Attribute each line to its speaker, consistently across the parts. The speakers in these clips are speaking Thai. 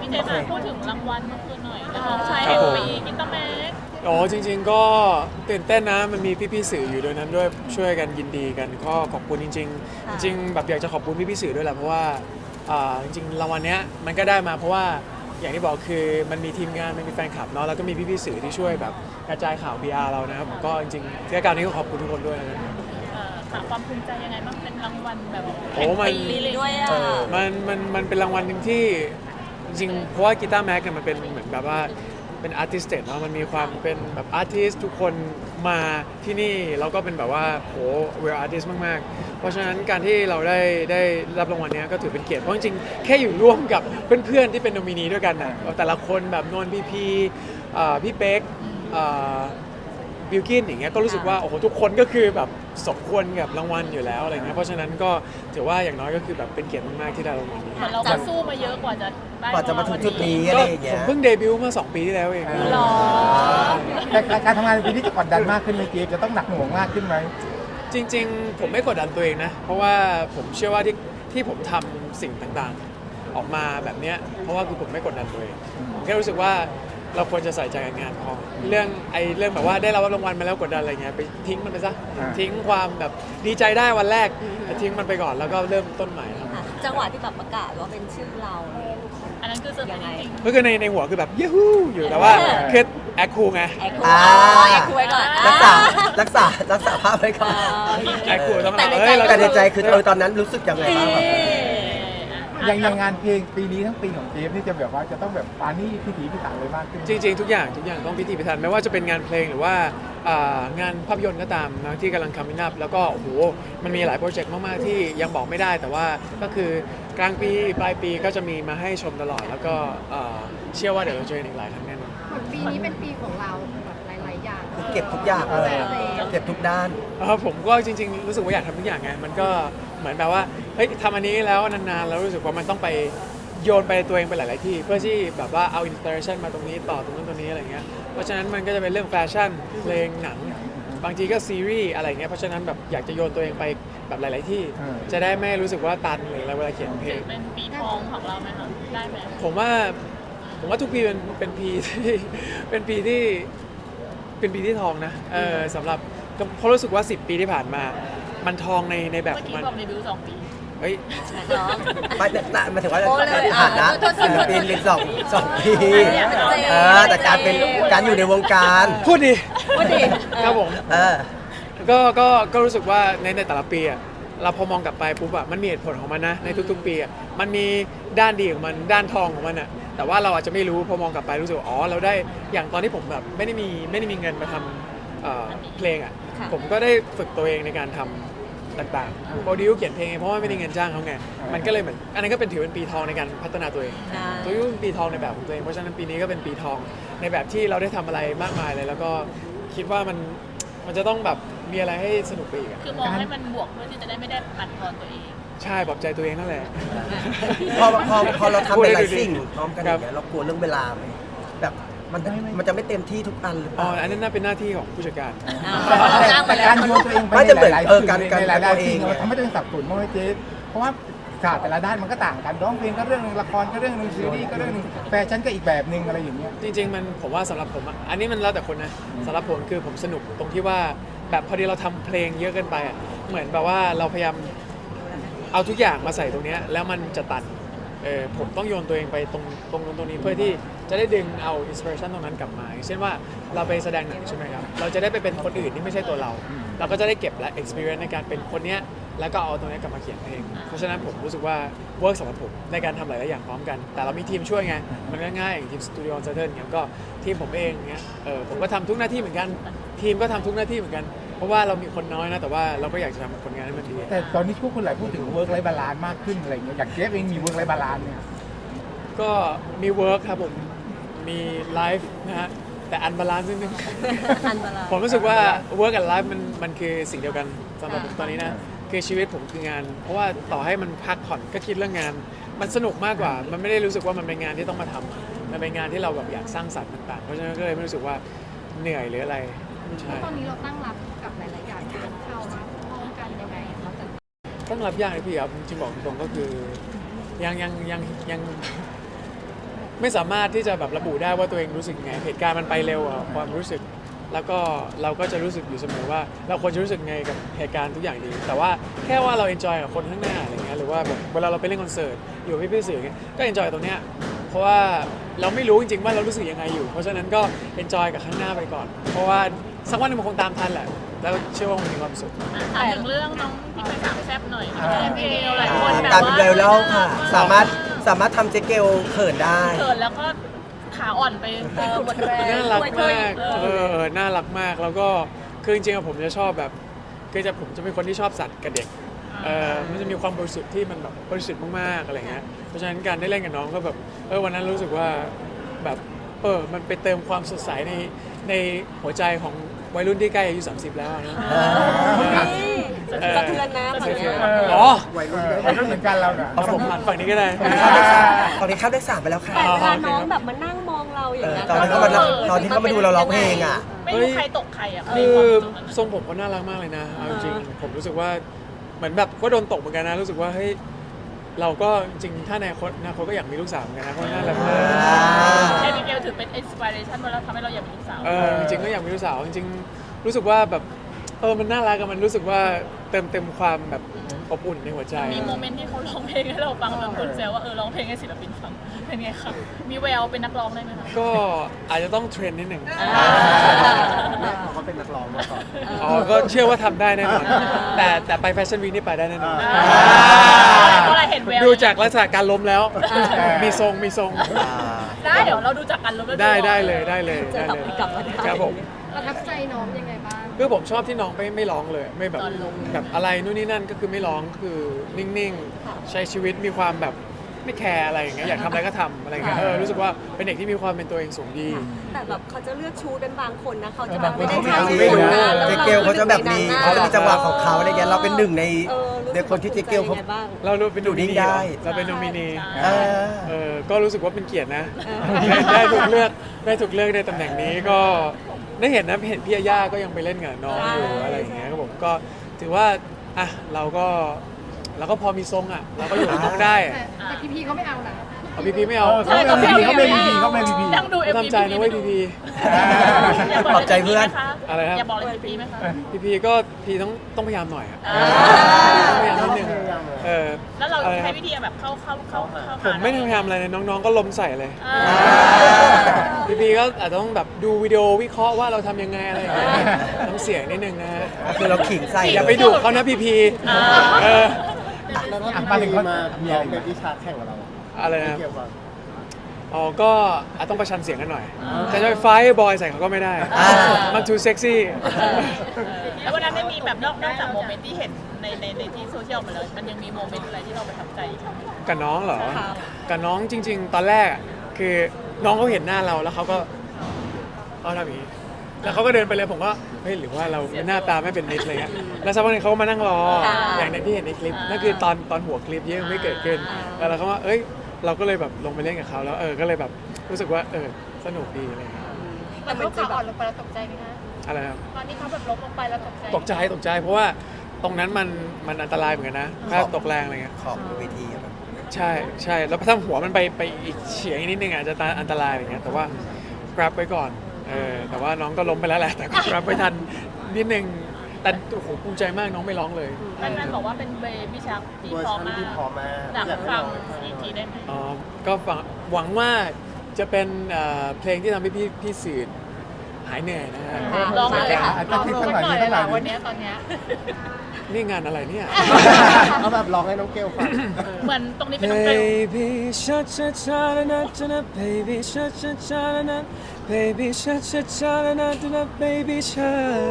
Speaker 1: พี่เจมาพูดถึงรางวัลเมื่อคืนหน่อยนักร้องชายแห่งปีกิตเตอร์แม็ก
Speaker 2: โอ้จริงๆก็ตื่นเต้นนะมันมีพี่ๆสื่ออยู่ด้วยนั้นด้วยช่วยกันยินดีกันก็ขอบคุณจริงๆจริงๆแบบอยากจะขอบคุณพี่ๆสื่อด้วยแหละเพราะว่าจริงๆรางวัลเนี้ยมันก็ได้มาเพราะว่าอย่างที่บอกคือมันมีทีมงานมันมีแฟนคลับเนาะแล้วก็มีพี่ๆสื่อที่ช่วยแบบกระจายข่าว PR เรานะครับผมก็จริงๆที่การนี้ก็ขอบคุณทุกคนด้วยนะครับ
Speaker 1: หาความภูมิใจยังไงบ้างเป็นรางวัลแบบ
Speaker 2: โอ้มัน
Speaker 1: ปีเลยด้วยอ่ะ
Speaker 2: มันเป็นรางวัลหนึ่งที่จริงๆเพราะว่ากีตาร์แม็กเนี่ยมันเป็นเหมือนแบบว่าเป็นอาร์ติสต์เนาะมันมีความเป็นแบบอาร์ติสทุกคนมาที่นี่แล้วก็เป็นแบบว่าโหเวลอาร์ติสมากๆเพราะฉะนั้นการที่เราได้รับรางวัลนี้ก็ถือเป็นเกียรติเพราะจริงๆแค่อยู่ร่วมกับเพื่อนๆที่เป็นโนมินีด้วยกันนะแต่ละคนแบบนนท์พีพี่เป๊กบิลกินอย่างเงี้ยก็รู้สึกว่าโอ้โหทุกคนก็คือแบบสมควรกับรางวัลอยู่แล้วอะไรเงี้ยเพราะฉะนั้นก็ถือว่าอย่างน้อยก็คือแบบเป็นเกียรติมากๆที่ได้รางวัลนี้
Speaker 1: เราก็สู้มาเยอะกว่าจะได้
Speaker 3: กว่าจะมาถึงจุดนี้อะไรอย่างเงี้
Speaker 2: ผ
Speaker 3: ย
Speaker 2: มเพิ่งเดบิวต์เมื่อ2 ปีที่แล้วเอง
Speaker 1: หรอ
Speaker 4: แต่การทำงานในปีนี้จะกดดันมากขึ้นไหมเจฟจะต้องหนักหน่วงมากขึ้นไหม
Speaker 2: จริงๆผมไม่กดดันตัวเองนะเพราะว่าผมเชื่อว่าที่ผมทำสิ่งต่างๆออกมาแบบเนี้ยเพราะว่าคือผมไม่กดดันตัวเองผมแค่รู้สึกว่าเราควรจะใส่ใจกับงานพอเรื่องแบบว่าได้รับรางวัลมาแล้วกดดันอะไรเงี้ยไปทิ้งมันไปซะทิ้งความแบบดีใจได้วันแรกทิ้งมันไปก่อนแล้วก็เริ่มต้นใหม่ครับ
Speaker 5: จังหวะที่แบบประกาศว่าเป็นชื่อเรา
Speaker 1: อันนั้นคือเซอร์ไพรส์จริง
Speaker 2: ก็คือในหัวคือแบบยูฮูอยู่แต่ว่าคือแอคคูลไง
Speaker 5: แอคคู
Speaker 3: อ่า
Speaker 5: แอคคูไว้ก่อน
Speaker 3: รักษาภาพไว้ก่อน
Speaker 2: แอคคูลต้อง
Speaker 5: แต่ในใจ
Speaker 3: แต่ในใจคือตอนนั้นรู้สึกยังไงบ้างแบบ
Speaker 4: อย่างงานเพลงปีนี้ทั้งปีของเจฟนี่จะแบบว่าจะต้องแบบปานี่พิถีพิถันเลยมากขึ้น
Speaker 2: จริงๆทุกอย่างต้องพิถีพิถันไม่ว่าจะเป็นงานเพลงหรือว่างานภาพยนตร์ก็ตามนะที่กำลังคัมมิ่งอัพแล้วก็โอ้โหมันมีหลายโปรเจกต์มากๆที่ยังบอกไม่ได้แต่ว่าก็คือกลางปีปลายปีก็จะมีมาให้ชมตลอดแล้วก็เชื่อว่าเดี๋ยวเราจะเจออีกหลายครั้งแน่นอน
Speaker 6: เหมือนปีนี้เป็นปีของเราแบบหลายๆอย่าง
Speaker 3: คือเก็บทุกอย่างเลยเก็บทุกด้าน
Speaker 2: ผมก็จริงๆรู้สึกว่าอยากทำทุกอย่างไงมันก็เหมือนแบบว่าเฮ้ยทำอันนี้แล้วนานๆแล้วรู้สึกว่ามันต้องไปโยนไปตัวเองไปหลายๆที่เพื่อที่แบบว่าเอาอินสปิเรชันมาตรงนี้ต่อตรงนั้นตรงนี้อะไรเงี้ยเพราะฉะนั้นมันก็จะเป็นเรื่องแฟชั่นเพลงหนังบางทีก็ซีรีส์อะไรเงี้ยเพราะฉะนั้นแบบอยากจะโยนตัวเองไปแบบหลายๆที่ จะได้ไม่รู้สึกว่าตันหรืออะไรเวลาเขียนเพลง
Speaker 1: เป็นปีทองของเราไหมคะได้ไหม
Speaker 2: ผมว่าทุกปีเป็นปีที่เป็นปีที่ทองนะสำหรับเพราะรู้สึกว่า 10 ปีที่ผ่านมามันทองในแบบ
Speaker 1: เมื่อ
Speaker 2: ของ
Speaker 1: กี้
Speaker 2: มัน
Speaker 1: บอกเดบิวต์2 ปี
Speaker 2: เฮ้ย
Speaker 5: เนาะ
Speaker 3: ไม่หมายถึงว่า
Speaker 5: โอ้เลย
Speaker 3: ในฐานะ
Speaker 5: โทษ
Speaker 3: ศิลปินเป็นสองปี
Speaker 5: เนี่ยเป็นเจ
Speaker 3: แต่การอยู่ในวงการ
Speaker 2: พูดดิ
Speaker 5: พูดดิ
Speaker 2: ครับผม
Speaker 3: เออ
Speaker 2: ก็รู้สึกว่าในแต่ละปีอะเราพอมองกลับไปปุ๊บอะมันมีเหตุผลของมันนะในทุกๆปีอะมันมีด้านดีของมันด้านทองของมันอะแต่ว่าเราอาจจะไม่รู้พอมองกลับไปรู้สึกว่าอ๋อเราได้อย่างตอนที่ผมแบบไม่ได้มีเงินมาทำเพลงอะผมก็ได้ฝึกตัวเองในการทำต่างๆโปรดิวเขียนเพลงเพราะว่าไม่ได้เงินจ้างเขาไงมันก็เลยเหมือนอันนั้นก็เป็นถือเป็นปีทองในการพัฒนาตัวเอง ตัวยุ่เป็นปีทองในแบบของตัวเองเพราะฉะนั้นปีนี้ก็เป็นปีทองในแบบที่เราได้ทำอะไรมากมายเลยแล้วก็คิดว่ามันจะต้องแบบมีอะไรให้สนุกไปอีกอะ
Speaker 1: คือมองให้มันบวกเพื่อที่จะได้ไม่ได้ปั่นทอนตัวเอง
Speaker 2: ใช่ปลอบใจตัวเองนั่นแหละ
Speaker 3: พอเราทำเป็นหลายสิ่ง
Speaker 2: พูดได้ดูดิ
Speaker 3: พร้อมกันอย่างเงี้ยเรากลัวเรื่องเวลาไหมแบบมันจะไม่เต็มที่ทุกอันหรือเป
Speaker 2: อ๋อ
Speaker 3: ล่า
Speaker 2: อันนั้นน่าเป็นหน้าที่ของผู้จัดการ
Speaker 4: แต่การโยนตัวเองไป
Speaker 3: ไม่
Speaker 4: ใน
Speaker 3: แต่เหมือน
Speaker 4: หลายๆ
Speaker 3: เออ
Speaker 4: สิ่ง
Speaker 3: การ
Speaker 4: ในหลาย
Speaker 3: ตัว
Speaker 4: ๆ
Speaker 3: เอง
Speaker 4: สิ่ง
Speaker 3: ไง
Speaker 4: มันทำให้ตัวเองสับสนมากเลยเจฟเพราะว่าศาสตร์แต่ละด้านมันก็ต่างกันร้องเพลงก็เรื่องนึงละครก็เรื่องนึงซีรีส์ก็เรื่องนึงแฟชั่นก็อีกแบบนึงอะไรอย่างเงี้ย
Speaker 2: จริงๆผมว่าสำหรับผมอะอันนี้มันแล้วแต่คนนะสำหรับผมคือผมสนุกตรงที่ว่าแบบพอดีเราทำเพลงเยอะเกินไปอะเหมือนแบบว่าเราพยายามเอาทุกอย่างมาใส่ตรงเนี้ยแล้วมันจะตันผมต้องโยนตัวเองไปตรงนี้เพื่อที่จะได้ดึงเอาอินสปิเรชันตรงนั้นกลับมาอย่างเช่นว่าเราไปแสดงหนังใช่ไหมครับเราจะได้ไปเป็นคนอื่นที่ไม่ใช่ตัวเรา เราก็จะได้เก็บและ experience ในการเป็นคนเนี้ยแล้วก็เอาตรงนี้กลับมาเขียนเพลงเพราะฉะนั้นผมรู้สึกว่าเวิร์กสำหรับผมในการทำหลายๆอย่างพร้อมกันแต่เรามีทีมช่วยไงมันก็ง่ายอย่างทีมสตูดิโอเซอร์เทิร์นเงี้ยก็ทีมผมเองเงี้ยผมก็ทำทุกหน้าที่เหมือนกันทีมก็ทำทุกหน้าที่เหมือนกันเพราะว่าเรามีคนน้อยนะแต่ว่าเราก็อยากจะทำผลงานให้มันดี
Speaker 4: แต่ตอนนี้ทุกคนหลายพูดถึงเวิร์กไลฟ์บาลานซ์มากขึ้นอะไรอย่างเงี้ยอย่างเจฟเองมีเวิร์กไลฟ์บาลานซ์เนี่ย
Speaker 2: ก็มีเวิร์กครับผมมีไลฟ์นะฮะแต่อันบาลานซ์นิดนึง
Speaker 5: อันบาลานซ์
Speaker 2: ผมรู้สึกว่า work and life มันคือสิ่งเดียวกันสำหรับผมตอนนี้นะคือชีวิตผมคืองาน เพราะว่าต่อให้มันพักผ่อนก็คิดเรื่องงาน มันสนุกมากกว่า มันไม่ได้รู้สึกว่ามันเป็นงานที่ต้องมาทำมันเป็นงานที่เราแบบอยากสร้างสรรค์ต่างๆเพราะฉะนั้นก็เลยไม่รู้สึกว่าเหนื่อยหรืออะไรใช่
Speaker 6: ตอนนี้เราตั้งรับกับหลายๆอย่างที่มันเข้ามาพร้อมกันยังไงเราจะ
Speaker 2: ต้องรับยากเลยพี่ครับจริงๆบอกตรงๆก็คือยังไม่สามารถที่จะแบบระบุได้ว่าตัวเองรู้สึกไงเหตุการณ์มันไปเร็วอะความรู้สึก แล้วก็เราก็จะรู้สึกอยู่เสมอว่าเราควรจะรู้สึกไงกับเหตุการณ์ทุกอย่างดีแต่ว่าแค่ว่าเราเอนจอยกับคนข้างหน้าอะไรเงี้ยหรือว่าแบบเวลาเราไปเล่นคอนเสิร์ตอยู่กับพี่ๆสื่อเงี้ยก็เอนจอยตรงเนี้ยเพราะว่าเราไม่รู้จริงๆว่าเรารู้สึกยังไงอยู่เพราะฉะนั้นก็เอนจอยกับข้างหน้าไปก่อน เพราะว่าสักวันหนึงมันคงตามทันแหละแล้วเชื่อว่ามันมีความสุข
Speaker 1: ถามถึงเรื่องน้องที่เคยถามแซบหน่อยเอลหลายคนแบบ
Speaker 3: การ
Speaker 1: ว่า
Speaker 3: เป็นไวรัลค่ะ สามารถทำเจ๊เกลเขินได้
Speaker 1: เกิดแล้วก็ขาอ่อนไป
Speaker 5: หมดแรง
Speaker 2: น่ารัก
Speaker 5: ช่วย
Speaker 2: มากน่ารักมากแล้วก็คือจริงๆผมจะชอบแบบผมจะเป็นคนที่ชอบสัตว์กับเด็กมันจะมีความบริสุทธิ์ที่มันแบบบริสุทธิ์มากๆอะไรเงี้ยเพราะฉะนั้นการได้เล่นกับน้องก็แบบวันนั้นรู้สึกว่าแบบมันไปเติมความสดใสในหัวใจของวัยรุ่นที่ใกล้อายุ30แล้วนะ
Speaker 5: สะเทือนนะฝั่งเนี้ย
Speaker 2: อ๋อ
Speaker 4: วัยรุ่นเหมือนกันเราเนี่ย
Speaker 2: เอาผมหันฝั่งนี้ก็ได้
Speaker 3: ตอนนี้ข้ามเลข 3ไปแล้วค่ะ
Speaker 5: แต่เวลาน้องแบบมานั่งมองเราอย่างเงี้ย
Speaker 3: ตอนที่เขามาดูเราร้องเพลงอ่ะ
Speaker 1: ไม่รู้ใครตกใครอ่ะ
Speaker 2: คือทรงผมเขาน่ารักมากเลยนะเอาจริงๆผมรู้สึกว่าเหมือนแบบก็โดนตกเหมือนกันนะรู้สึกว่าเฮ้ยเราก็จริงถ้าในอนาคตก็อยากมีลูกสาวเหมือนกันนะเพราะน่ารักมาก
Speaker 1: เอมิเกลถือเป็นอินสปิเรชันมาแล้วทำให้เราอยากมีลูกสาว
Speaker 2: จริงๆก็อยากมีลูกสาวจริงๆรู้สึกว่าแบบมันน่ารักมันรู้สึกว่าเต็มความแบบอบอุ่นในหัวใจ
Speaker 1: มีโมเมนต์ที่เขาร้องเพลงให้เราฟังแบบคนแซวว่าร้องเพลงให้ศิลปินฟังเป็นไงคะมีแววเป็นนักร้องได้ไหมคะ
Speaker 2: ก็อาจจะต้องเทรนนิดหนึ่ง
Speaker 4: แม่เขาเป็นนักร้องมาก่อน
Speaker 2: ก็เชื่อว่าทำได้แน่นอนแต่ไปแฟชั่นวีคนี่ไปได้แน่นอน
Speaker 1: เพราะอะไรเห็นแวว
Speaker 2: ดูจากลักษณะการล้มแล้ว มีทรง
Speaker 1: ได้เดี๋ยวเราดูจากกันแล้วก็
Speaker 2: ได้เลย
Speaker 5: จะกลับมาได้
Speaker 2: ครับผม
Speaker 6: ประทับใจน้องยังไงบ้าง
Speaker 2: คือผมชอบที่น้องไม่ร้องเลยไม่แบบอะไรนู่นนี่นั่นก็คือไม่ร้องคือนิ่งๆ ใช้ชีวิตมีความแบบไม่แคร์อะไรอย่างเงี้ยอยากทำอะไรก็ทำอะไรอย่างเงี้ยรู้สึกว่าเป็นเด็กที่มีความเป็นตัวเองสูงดี
Speaker 5: แต่แบบเขาจะเลือกชูกันบางคนนะเขาจะ
Speaker 4: บางคน
Speaker 5: ไม่ได้
Speaker 4: เขา
Speaker 5: ใช้
Speaker 3: ไม่รู้
Speaker 5: แล้ว
Speaker 3: เจ๊เกลเขาจะแบบมีเขาจะมีจังหวะของเขาอะไรเงี้ยเราเป็นหนึ่งใน
Speaker 5: รู้สึก
Speaker 3: คนที่เจ๊เกลเขา
Speaker 5: ยังไงบ้าง
Speaker 2: เราเป็นโนมินี
Speaker 3: ได้
Speaker 2: เราเป็นโนมินี
Speaker 3: เออ
Speaker 2: ก็รู้สึกว่าเป็นเกียรตินะได้ถูกเลือกในตำแหน่งนี้ก็ได้เห็นพี่ย่าก็ยังไปเล่นกับน้องอยู่อะไรอย่างเงี้ยครับผมก็ถือว่าอ่ะเราก็พอมีทรงอ่ะเราก็อยู่กับน้องได้
Speaker 6: แต่พี่เขาไม่เอานะ
Speaker 2: เอาพี่ไม่เอา
Speaker 4: เขาไม่พีเขาไม่พี
Speaker 1: นั่งดูเอ็ม
Speaker 2: ทำใจนะเว้ยพี่
Speaker 3: ปลอบใจเพื่อน
Speaker 2: อะไรครับ
Speaker 1: อย่าบอกเลยพี่ไหมคะ
Speaker 2: พี่ก็พี่ต้องพยายามหน่อยอ่ะต้องพยายามนิดนึง
Speaker 1: แล้วเราใช้วิธีแบบเข้า
Speaker 2: ผมไม่ได้พยายามอะไรเลยน้องๆก็ล้มใส่เลยพี่ก็อาจจะต้องแบบดูวิดีโอวิเคราะห์ว่าเราทำยังไงอะไรอย่างเงี้ยน้ำเสียงนิดนึงนะฮะ
Speaker 3: คือเราขิงใส่
Speaker 2: อย่าไปดุเขานะพี่
Speaker 4: มาถึงเขา
Speaker 7: มีอะไรเป็นวิชาแข่งกับเรา
Speaker 2: อะไรนะ
Speaker 7: เกี่ยวกับ
Speaker 2: ก็อาจต้องประชันเสียงกันหน่อยแต่จะไปไฟบอยใส่เขาก็ไม่ได้มันทูเซ็กซี่
Speaker 1: แล้ววันนั้นไม่มีแบบนอกจากโมเมนต์ที่เห็นในที่โซเชียลมาเลยมันยังมีโมเมนต์อะไรที่เราประทับใจอีกไหม
Speaker 2: กับน้องเหรอกับน้องจริง ๆ ตอนแรกคือน้องเขาเห็นหน้าเราแล้วเขาก็ทำอย่างนี้แล้วเขาก็เดินไปเลยผมก็เฮ้ยหรือว่าเราหน้าตาไม่เป็นมิตรอะไรเงี้ยแล้วสักพักหนึงเขาก็มานั่งรออย่างในที่เห็นในคลิปนั่นคือตอนหัวคลิปยังไม่เกิดขึ้นแล้วเขาว่าเราก็เลยแบบลงไปเล่นกับเขาแล้วก็เลยแบบรู้สึกว่าสนุกดีอะไรเงี้ย
Speaker 6: แต่เขาขาอ่อนลงไปแล้วตกใจไหมคะ
Speaker 2: อะไรครับ
Speaker 6: ตอนนี้เขาแบบล้มลงไปแล้วตกใจ
Speaker 2: ตกใจเพราะว่าตรงนั้นมันอันตรายเหมือนกันนะถ้าตกแรงอะไรเงี้ย
Speaker 3: ขอบเวทีอะครับ
Speaker 2: ใช่แล้วถ้าหัวมันไปอีกเฉียงนิดนึงอาจจะอันตรายอะไรเงี้ยแต่ว่า grab ไว้ก่อนแต่ว่าน้องก็ล้มไปแล้วแหละแต่ก็ grab ไว้ทันนิดนึงแต่โอ้โหภูมิใจมากน้องไม่ร้องเลย
Speaker 1: แฟนๆบอกว่าเป็นเบบี้ชักที่
Speaker 7: เวอร์
Speaker 1: พอ
Speaker 7: ชัน
Speaker 1: มาก
Speaker 7: ที่พอมาก
Speaker 1: อยาก
Speaker 7: อยากให้
Speaker 1: ฟัง
Speaker 7: ลอง
Speaker 1: อีกทีได้ไหม
Speaker 2: ก็หวังว่าจะเป็นเพลงที่ทำให้พี่สื่อหายเหนื่อยนะฮะ
Speaker 1: ลองเลยค่ะ
Speaker 4: อาจจะคิดสักหน่อยนิดหน่อย
Speaker 6: วันนี้ตอนเนี้ย
Speaker 2: นี่งานอะไรเนี่ย
Speaker 7: เอาแบบร้องให้น้องเกลฟัง
Speaker 1: เหมือนตรงนี้เป็นน้องเกล
Speaker 2: Baby cha cha cha na na na baby cha cha cha na na baby cha cha cha na na baby cha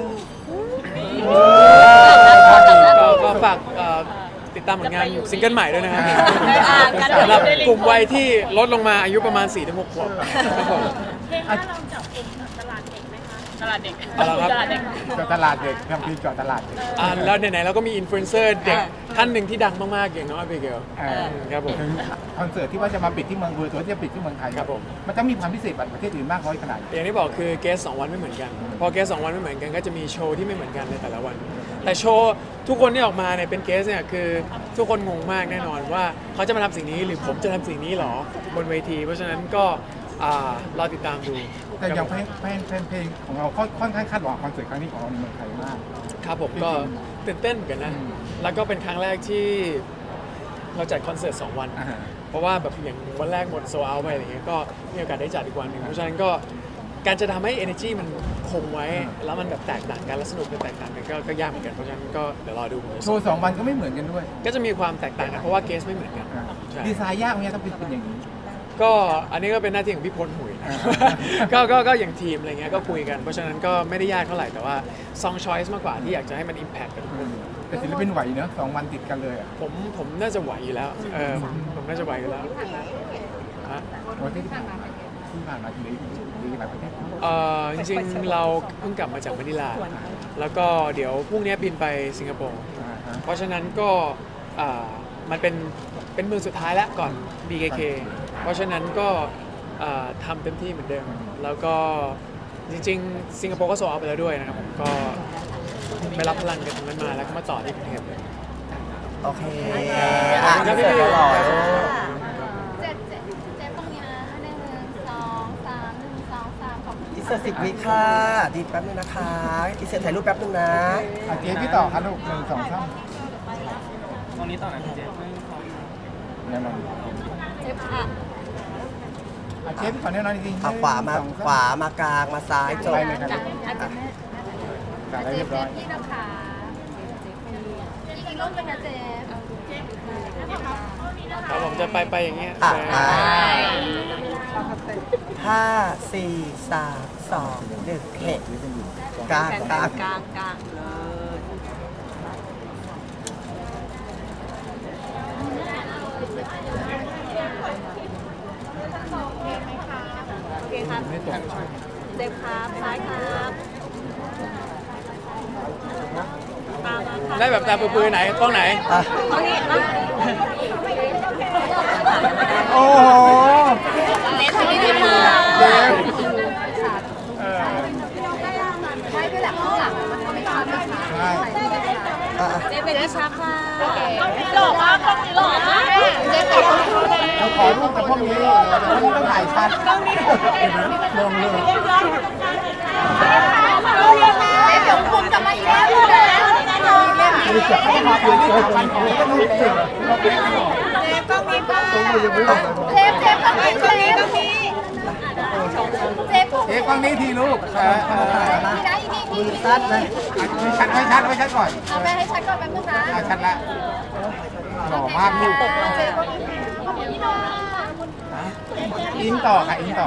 Speaker 2: ก็ฝากติดตามผลงานซิงเกิลใหม่ด้วยนะครับสำหรับกลุ่มวัยที่ลดลงมาอายุประมาณ 4-6 ขวบครับผม
Speaker 1: เพลงถ้าเราจับกลุ่มตลาดเด็กไหมคะตลาดเด็ก
Speaker 2: เอาละครับ
Speaker 1: ตลาดเด็ก
Speaker 4: เจาะตลาดเด็กทำทีเจาะตลาดเด็ก
Speaker 2: แล้วไหนๆเราก็มีอินฟลูเอนเซอร์เด็กท่านหนึ่งที่ดังมากๆอย่างน้องอาเบเกลครับผม
Speaker 4: ถึงคอนเสิร์ตที่ว่าจะมาปิดที่เมืองเวอร์ตัวที่จะปิดที่เมืองไทย
Speaker 2: ครับผม
Speaker 4: มันจะมีความพิเศษกว่าประเทศอื่นมากน้อยขนาดไหน
Speaker 2: อย่างที่บอกคือเกส2 วันไม่เหมือนกัน พอเกส2 วันไม่เหมือนกันก็จะมีโชว์ที่ไม่เหมือนกันในแต่ละวันแต่โชว์ทุกคนที่ออกมาเนี่ยเป็นเกสเนี่ยคือทุกคนงงมากแน่นอนว่าเขาจะมาทำสิ่งนี้หรือผมจะทำสิ่งนี้หรอบนเวที เพราะฉะนั้นก็รอติดตามดู
Speaker 4: แต่อย่างแฟนเพลงของเราค่อนข้างคาดหวังคอนเสิร์ตครั้งนี้ของเราในเมืองไทยมาก
Speaker 2: ครับผมก็ตื่นเต้นเหมือนกันนะ แล้วก็เป็นครั้งแรกที่เราจัดคอนเสิร์ต2 วัน เพราะว่าแบบอย่างวันแรกหมดโซเอาไปอะไรเงี้ยก็มีโอกาสได้จัดอีกวันหนึ่งเพราะฉะนั้นก็การจะทำให้ energy มันคงไว้ แล้วมันแบบแตกต่างกันและสนุกแตกต่างกันก็ยากเหมือนกันเพราะฉะนั้นก็เดี๋ยวรอดู
Speaker 4: โชว์2 วันก็ไม่เหมือนกันด้วย
Speaker 2: ก็จะมีความแตกต่างกันเพราะว่าเกสไม่เหมือนกันใช่
Speaker 4: ดีไซน์ยากไหมต้องเป็นอย่างนี้
Speaker 2: ก็อันนี้ก็เป็นหน้าที่ของพี่พลหุยนะ ก็อย่างทีมอะไรเงี้ยก็คุยกันเพราะฉะนั้นก็ไม่ได้ยากเท่าไหร่แต่ว่า song choice มากกว่าที่อยากจะให้มัน impact กับทุกคน
Speaker 4: แต่ศิลปินไหวเนอะ2 วันติดกันเลยอ่ะ
Speaker 2: ผมน่าจะไหวอยู่แล้วผมน่าจะไหวอยู่แล้วฮะ
Speaker 4: วันที่ผ่านมาที่หลายประเทศ
Speaker 2: จริงๆเราเพิ่งกลับมาจากมะนิลาแล้วก็เดี๋ยวพรุ่งนี้บินไปสิงคโปร์เพราะฉะนั้นก็มันเป็นมือสุดท้ายแล้วก่อน BKK เพราะฉะนั้นก็ทำเต็มที่เหมือนเดิมแล้วก็จริงๆสิงคโปร์ก็โซลเอาท์ไปแล้วด้วยนะครับผมก็ไปรับพลังกันตรงนั้นมาแล้วก็มาต่อที่กรุงเทพเลย
Speaker 3: โอเคอินเสิร์ตหล่อๆลูก
Speaker 6: เจ็บตรงนี้นะ1 2 3 1 2 3ขอบคุณ
Speaker 3: อินเสิร์ต10 วิค่ะดีแป๊บนึงนะคะอินเสิร์ตถ่ายรูปแป๊บนึงนะ
Speaker 4: เจพี่ต่อครับลูก1 2 3
Speaker 8: ตรงนี้ต่อนะพี่เจฟ
Speaker 4: แน่นอน
Speaker 5: เจ็บค่ะ
Speaker 4: เจฟขอแน่นอนจริงๆ
Speaker 3: เอาขวามากลางมาซ้ายจบ
Speaker 4: ไปเลยครับ
Speaker 5: อาจจะแม่
Speaker 4: จ่ายได้เรียบร้อย
Speaker 6: พี่นะคะอีกรูปเป็นนะเจฟ
Speaker 2: ครับผมจะไปอย่างเงี้ย
Speaker 3: อ่ะ
Speaker 2: ไป
Speaker 3: ห้าสี่สามสองหนึ่งเข็ดกลาง
Speaker 5: ก
Speaker 3: ก
Speaker 5: ลา
Speaker 3: ลาง ง
Speaker 5: กลางกลางเลย โอเคครับ
Speaker 4: ไม่ตก
Speaker 5: เจ็บครับซ้ายครับตามมาครับ
Speaker 2: ได้แบบตาปื้อๆไหนกล้องไหน
Speaker 3: อ่ะ
Speaker 5: ตรงนี้นะ
Speaker 4: โอ้โห
Speaker 5: เล็บที่นี่มา
Speaker 4: เจฟ
Speaker 6: ใช่ด้วยแหละข้างหลังมันทำให้ชัดไม่ชัด
Speaker 4: ใช่
Speaker 3: อ่ะ
Speaker 5: เจ็บเป็นวิชาค่ะ
Speaker 1: หล่อมากกล้องนี้หล่อมาก
Speaker 6: เจฟกับคุณ
Speaker 4: เราขอรูปกับพวกนี้ต้องถ่ายชัดลงเลย
Speaker 6: เจฟเดี๋ยวคุณจะมาอีกแล้วนะ
Speaker 4: มีเสียงให้มาอยู่ที่3 วันของก็ต้องเสียง
Speaker 6: เจฟต้องมีป้าเจฟต้องมีเจฟต้องมีเจฟ
Speaker 4: เจฟกล้องนี้ทีลูก
Speaker 6: มีนะอีก
Speaker 3: มือสั้นนะ
Speaker 4: ไม่ชัดก่อน
Speaker 6: เอาไปให้ชัดก่อนแป๊บนึงนะ
Speaker 4: ชัดละหล่อมากลูก
Speaker 6: เจฟก็มีขอบคุณพี่น้อง
Speaker 4: อิงต่อค่ะอิงต่อ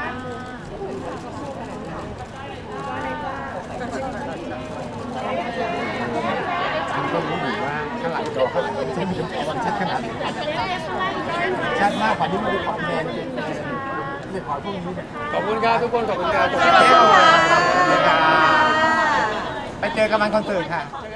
Speaker 4: ก็รู้อยู่ว่าข้างหลังจอข้างหลังเจฟมีความชัดขนาดไหนชัดมากกว่าที่มันดูความแมนเลยขอพวกนี้เนี่ย
Speaker 2: ขอบคุณครับทุกคนขอบคุณครับ
Speaker 4: ไปเจอกันมันคอนเสิร์ตค่ะ
Speaker 2: เจอ